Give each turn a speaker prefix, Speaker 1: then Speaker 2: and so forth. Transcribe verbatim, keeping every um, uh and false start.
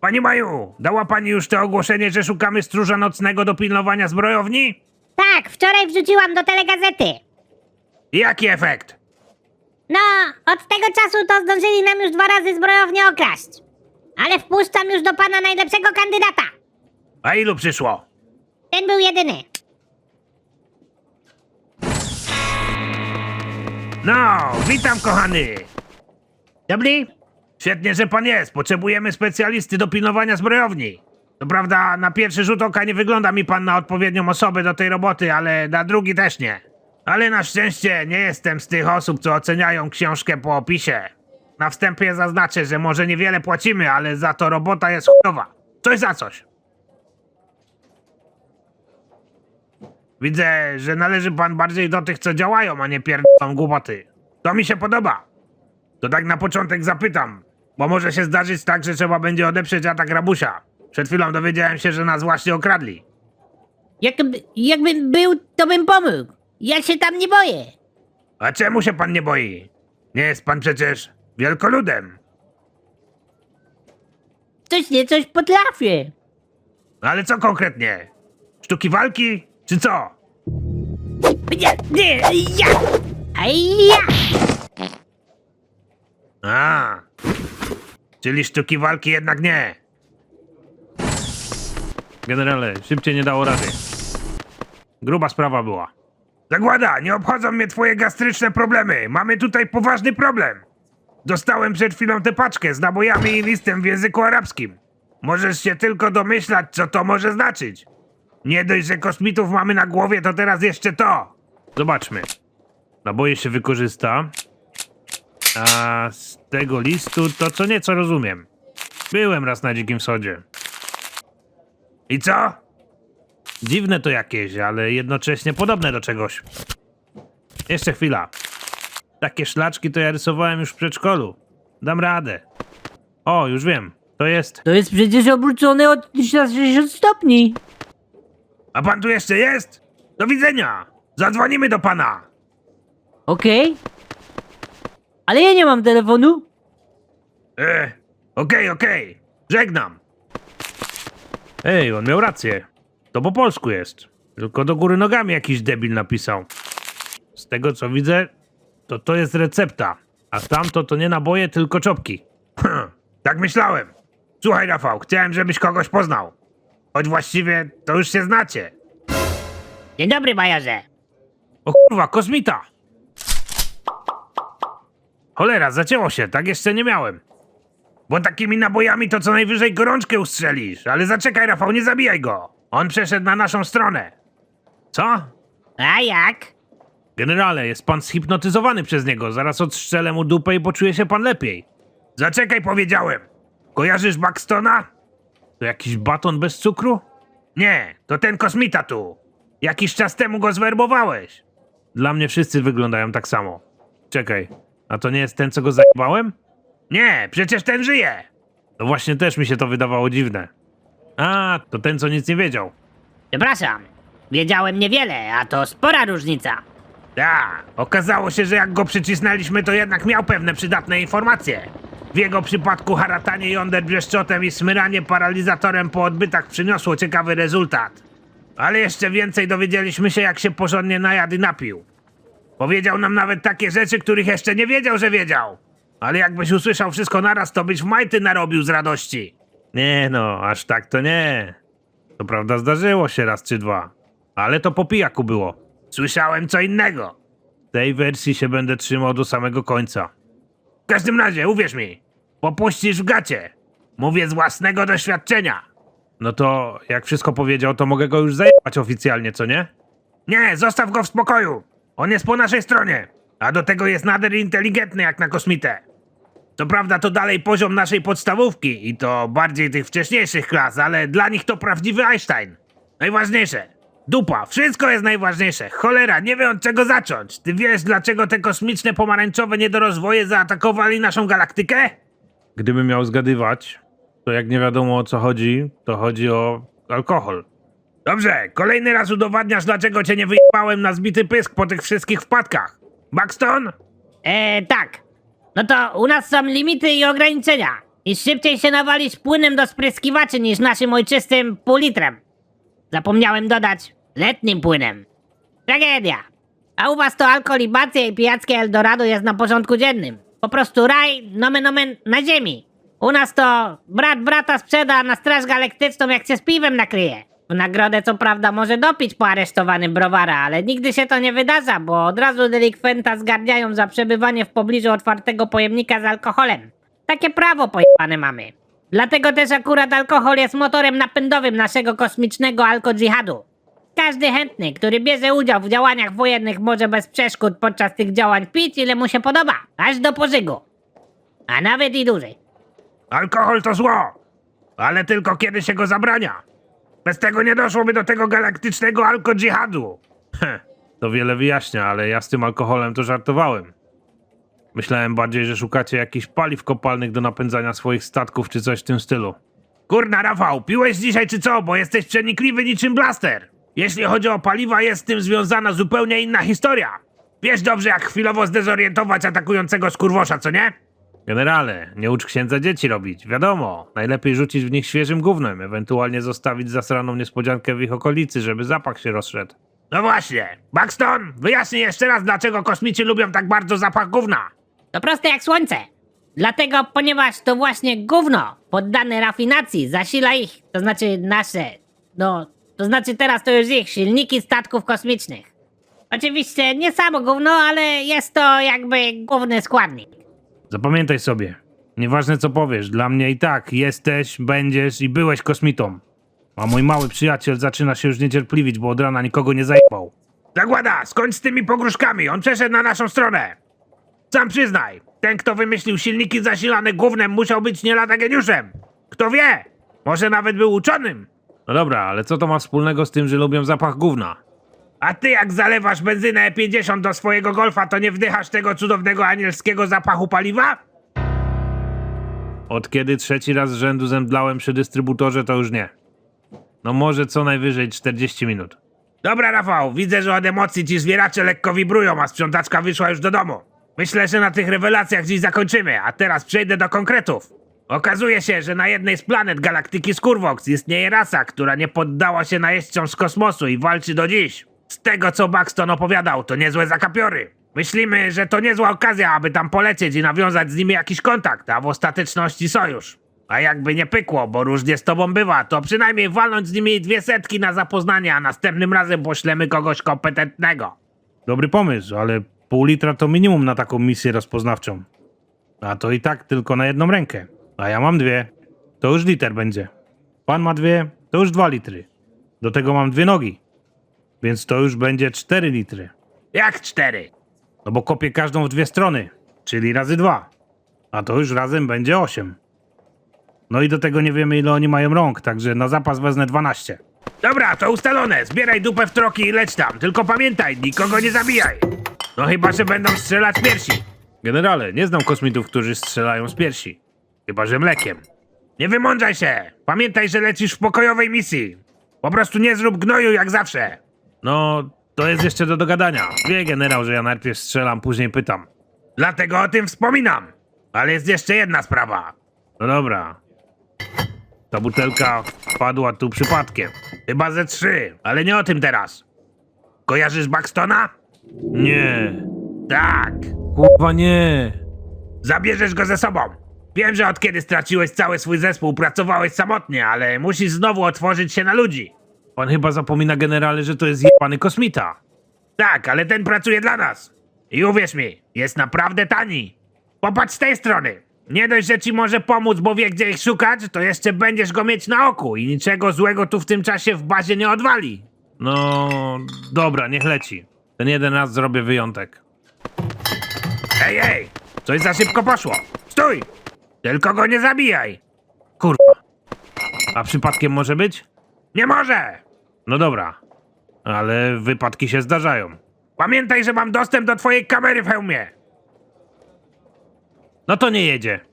Speaker 1: Pani Maju, dała pani już to ogłoszenie, że szukamy stróża nocnego do pilnowania zbrojowni?
Speaker 2: Tak, wczoraj wrzuciłam do telegazety.
Speaker 1: I jaki efekt?
Speaker 2: No, od tego czasu to zdążyli nam już dwa razy zbrojownię okraść. Ale wpuszczam już do pana najlepszego kandydata.
Speaker 1: A ilu przyszło?
Speaker 2: Ten był jedyny.
Speaker 1: No, witam kochany.
Speaker 2: Dobry?
Speaker 1: Świetnie, że pan jest. Potrzebujemy specjalisty do pilnowania zbrojowni. To prawda, na pierwszy rzut oka nie wygląda mi pan na odpowiednią osobę do tej roboty, ale na drugi też nie. Ale na szczęście nie jestem z tych osób, co oceniają książkę po opisie. Na wstępie zaznaczę, że może niewiele płacimy, ale za to robota jest chujowa. Coś za coś. Widzę, że należy pan bardziej do tych, co działają, a nie pierdolą głupoty. To mi się podoba. To tak na początek zapytam, bo może się zdarzyć tak, że trzeba będzie odeprzeć atak rabusia. Przed chwilą dowiedziałem się, że nas właśnie okradli.
Speaker 3: Jakby, jakbym był, to bym pomógł. Ja się tam nie boję.
Speaker 1: A czemu się pan nie boi? Nie jest pan przecież wielkoludem.
Speaker 3: Coś nie coś potrafię.
Speaker 1: Ale co konkretnie? Sztuki walki, czy co?
Speaker 3: Nie, nie, ja! A ja!
Speaker 1: A, czyli sztuki walki jednak nie. Generale, szybciej nie dało rady. Gruba sprawa była. Zagłada, nie obchodzą mnie twoje gastryczne problemy. Mamy tutaj poważny problem. Dostałem przed chwilą tę paczkę z nabojami i listem w języku arabskim. Możesz się tylko domyślać, co to może znaczyć. Nie dość, że kosmitów mamy na głowie, to teraz jeszcze to. Zobaczmy. Naboje się wykorzysta. A z tego listu to co nieco rozumiem. Byłem raz na Dzikim Wschodzie. I co? Dziwne to jakieś, ale jednocześnie podobne do czegoś. Jeszcze chwila. Takie szlaczki to ja rysowałem już w przedszkolu. Dam radę. O, już wiem. To jest...
Speaker 3: To jest przecież obrócone o trzysta sześćdziesiąt stopni.
Speaker 1: A pan tu jeszcze jest? Do widzenia. Zadzwonimy do pana.
Speaker 3: Okej? Ale ja nie mam telefonu.
Speaker 1: E, okej, okej. Żegnam. Ej, on miał rację. To po polsku jest. Tylko do góry nogami jakiś debil napisał. Z tego co widzę, to to jest recepta. A tamto to nie naboje, tylko czopki. Hm, tak myślałem. Słuchaj, Rafał, chciałem, żebyś kogoś poznał. Choć właściwie to już się znacie.
Speaker 2: Dzień dobry, majorze.
Speaker 1: O kurwa, kosmita! Cholera, zacięło się, tak jeszcze nie miałem. Bo takimi nabojami to co najwyżej gorączkę ustrzelisz. Ale zaczekaj, Rafał, nie zabijaj go. On przeszedł na naszą stronę. Co?
Speaker 2: A jak?
Speaker 1: Generale, jest pan zhipnotyzowany przez niego. Zaraz odstrzelę mu dupę i poczuje się pan lepiej. Zaczekaj, powiedziałem. Kojarzysz Buxtona? To jakiś baton bez cukru? Nie, to ten kosmita tu. Jakiś czas temu go zwerbowałeś. Dla mnie wszyscy wyglądają tak samo. Czekaj, a to nie jest ten, co go zajebałem? Nie, przecież ten żyje. No właśnie też mi się to wydawało dziwne. A, to ten, co nic nie wiedział.
Speaker 2: Przepraszam. Wiedziałem niewiele, a to spora różnica.
Speaker 1: Tak, okazało się, że jak go przycisnęliśmy, to jednak miał pewne przydatne informacje. W jego przypadku haratanie jąder brzeszczotem i smyranie paralizatorem po odbytach przyniosło ciekawy rezultat. Ale jeszcze więcej dowiedzieliśmy się, jak się porządnie najadł i napił. Powiedział nam nawet takie rzeczy, których jeszcze nie wiedział, że wiedział. Ale jakbyś usłyszał wszystko naraz, to byś w majty narobił z radości. Nie no, aż tak to nie. To prawda zdarzyło się raz czy dwa. Ale to po pijaku było. Słyszałem co innego. Tej wersji się będę trzymał do samego końca. W każdym razie, uwierz mi, popuścisz w gacie. Mówię z własnego doświadczenia. No to, jak wszystko powiedział, to mogę go już zajebać oficjalnie, co nie? Nie, zostaw go w spokoju. On jest po naszej stronie. A do tego jest nader inteligentny jak na kosmitę. Co prawda to dalej poziom naszej podstawówki i to bardziej tych wcześniejszych klas, ale dla nich to prawdziwy Einstein. Najważniejsze. Dupa, wszystko jest najważniejsze. Cholera, nie wiem od czego zacząć. Ty wiesz, dlaczego te kosmiczne pomarańczowe niedorozwoje zaatakowali naszą galaktykę? Gdybym miał zgadywać, to jak nie wiadomo o co chodzi, to chodzi o alkohol. Dobrze, kolejny raz udowadniasz, dlaczego cię nie wyjebałem na zbity pysk po tych wszystkich wpadkach. Buxton?
Speaker 2: E, tak. No to u nas są limity i ograniczenia.
Speaker 3: I szybciej się nawalisz płynem do spryskiwaczy niż naszym ojczystym pół litrem. Zapomniałem dodać letnim płynem. Tragedia. A u was to alkoholibacja i pijackie Eldorado jest na porządku dziennym. Po prostu raj, nomen omen, na ziemi. U nas to brat brata sprzeda na straż galaktyczną, jak się z piwem nakryje. W nagrodę co prawda może dopić po aresztowanym browara, ale nigdy się to nie wydarza, bo od razu delikwenta zgarniają za przebywanie w pobliżu otwartego pojemnika z alkoholem. Takie prawo pojebane mamy. Dlatego też akurat alkohol jest motorem napędowym naszego kosmicznego alko-dżihadu. Każdy chętny, który bierze udział w działaniach wojennych, może bez przeszkód podczas tych działań pić ile mu się podoba, aż do pożygu. A nawet i dłużej.
Speaker 1: Alkohol to zło, ale tylko kiedy się go zabrania. Bez tego nie doszłoby do tego galaktycznego alko-dżihadu. Heh, to wiele wyjaśnia, ale ja z tym alkoholem to żartowałem. Myślałem bardziej, że szukacie jakichś paliw kopalnych do napędzania swoich statków czy coś w tym stylu. Kurna, Rafał, piłeś dzisiaj czy co? Bo jesteś przenikliwy niczym blaster. Jeśli chodzi o paliwa, jest z tym związana zupełnie inna historia. Wiesz dobrze, jak chwilowo zdezorientować atakującego skurwosza, co nie? Generale, nie ucz księdza dzieci robić. Wiadomo, najlepiej rzucić w nich świeżym gównem, ewentualnie zostawić zasraną niespodziankę w ich okolicy, żeby zapach się rozszedł. No właśnie. Buxton, wyjaśnij jeszcze raz, dlaczego kosmici lubią tak bardzo zapach gówna.
Speaker 3: To proste jak słońce. Dlatego, ponieważ to właśnie gówno poddane rafinacji zasila ich, to znaczy nasze, no, to znaczy teraz to już ich silniki statków kosmicznych. Oczywiście nie samo gówno, ale jest to jakby główny składnik.
Speaker 1: Zapamiętaj sobie. Nieważne co powiesz, dla mnie i tak jesteś, będziesz i byłeś kosmitą. A mój mały przyjaciel zaczyna się już niecierpliwić, bo od rana nikogo nie zajebał. Zagłada, skończ z tymi pogróżkami, on przeszedł na naszą stronę. Sam przyznaj, ten kto wymyślił silniki zasilane gównem musiał być nie lada geniuszem. Kto wie, może nawet był uczonym. No dobra, ale co to ma wspólnego z tym, że lubią zapach gówna? A ty jak zalewasz benzynę E pięćdziesiąt do swojego Golfa, to nie wdychasz tego cudownego anielskiego zapachu paliwa? Od kiedy trzeci raz z rzędu zemdlałem przy dystrybutorze, to już nie. No może co najwyżej czterdzieści minut. Dobra, Rafał, widzę, że od emocji ci zwieracze lekko wibrują, a sprzątaczka wyszła już do domu. Myślę, że na tych rewelacjach dziś zakończymy, a teraz przejdę do konkretów. Okazuje się, że na jednej z planet galaktyki Skurwox istnieje rasa, która nie poddała się najeźdźcom z kosmosu i walczy do dziś. Z tego, co Buxton opowiadał, to niezłe zakapiory. Myślimy, że to niezła okazja, aby tam polecieć i nawiązać z nimi jakiś kontakt, a w ostateczności sojusz. A jakby nie pykło, bo różnie z tobą bywa, to przynajmniej walnąć z nimi dwie setki na zapoznanie, a następnym razem poślemy kogoś kompetentnego. Dobry pomysł, ale pół litra to minimum na taką misję rozpoznawczą. A to i tak tylko na jedną rękę. A ja mam dwie. To już liter będzie. Pan ma dwie, to już dwa litry. Do tego mam dwie nogi. Więc to już będzie cztery litry. Jak cztery? No bo kopię każdą w dwie strony, czyli razy dwa. A to już razem będzie osiem. No i do tego nie wiemy, ile oni mają rąk, także na zapas wezmę dwanaście. Dobra, to ustalone. Zbieraj dupę w troki i leć tam. Tylko pamiętaj, nikogo nie zabijaj. No chyba, że będą strzelać z piersi. Generale, nie znam kosmitów, którzy strzelają z piersi. Chyba, że mlekiem. Nie wymądrzaj się. Pamiętaj, że lecisz w pokojowej misji. Po prostu nie zrób gnoju jak zawsze. No, to jest jeszcze do dogadania. Wie generał, że ja najpierw strzelam, później pytam. Dlatego o tym wspominam. Ale jest jeszcze jedna sprawa. No dobra. Ta butelka wpadła tu przypadkiem. Chyba ze trzy, ale nie o tym teraz. Kojarzysz Buxtona? Nie. Tak. Kurwa nie. Zabierzesz go ze sobą. Wiem, że od kiedy straciłeś cały swój zespół, pracowałeś samotnie, ale musisz znowu otworzyć się na ludzi. Pan chyba zapomina, generale, że to jest jebany kosmita. Tak, ale ten pracuje dla nas. I uwierz mi, jest naprawdę tani. Popatrz z tej strony. Nie dość, że ci może pomóc, bo wie, gdzie ich szukać, to jeszcze będziesz go mieć na oku i niczego złego tu w tym czasie w bazie nie odwali. No, dobra, niech leci. Ten jeden raz zrobię wyjątek. Ej, ej, coś za szybko poszło. Stój! Tylko go nie zabijaj. Kurwa. A przypadkiem może być? Nie może! No dobra, ale wypadki się zdarzają. Pamiętaj, że mam dostęp do twojej kamery w hełmie. No to nie jedzie.